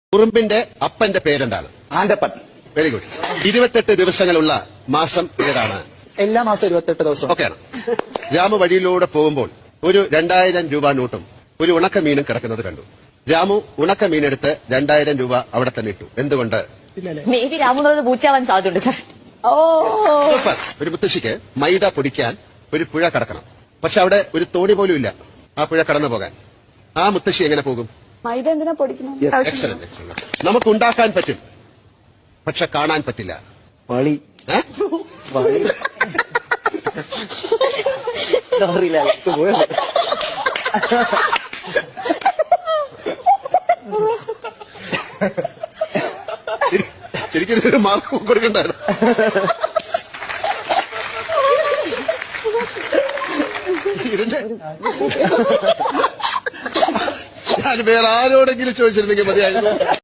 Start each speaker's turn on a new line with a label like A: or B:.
A: ഉറുമ്പിന്റെ അപ്പന്റെ പേരെന്താണ്?
B: Antappan.
A: Very good. 28 ദിവസങ്ങളുള്ള മാസം ഏതാണ്?
B: എല്ലാ മാസം 28 ദിവസം.
A: ഓക്കെയാണ്. രാമു വഴിയിലൂടെ പോകുമ്പോൾ ഒരു 2000 രൂപ നോട്ടും ഒരു ഉണക്കമീനും കിടക്കുന്നത് കണ്ടു. രാമു ഉണക്കമീനെടുത്ത് 2000 രൂപ അവിടെ തന്നെ ഇട്ടു. എന്തുകൊണ്ട്?
C: മേ ബി രാമു എന്നുള്ളത് പൂച്ചാവാൻ സാധ്യതയുണ്ട് സാർ.
A: സൂപ്പർ. ഒരു മുത്തശ്ശിക്ക് മൈദ പൊടിക്കാൻ ഒരു പുഴ കടക്കണം. പക്ഷെ അവിടെ ഒരു തോണി പോലും ഇല്ല ആ പുഴ കടന്നു പോകാൻ. ആ മുത്തശ്ശി എങ്ങനെ പോകും?
D: മൈദ എന്തിനാ പൊടിക്കുന്നത്?
A: എക്സലന്റ്. നമുക്ക് ഉണ്ടാക്കാൻ പറ്റും, പക്ഷെ കാണാൻ പറ്റില്ല.
B: വളി.
A: ഏ? ശരിക്കും ഒരു മാർക്ക് കൊടുക്കണ്ടായിരുന്നു. ഇതിന്റെ ഞാൻ വേറെ ആരോടെങ്കിലും ചോദിച്ചിരുന്നെങ്കിൽ മതിയായിരുന്നു.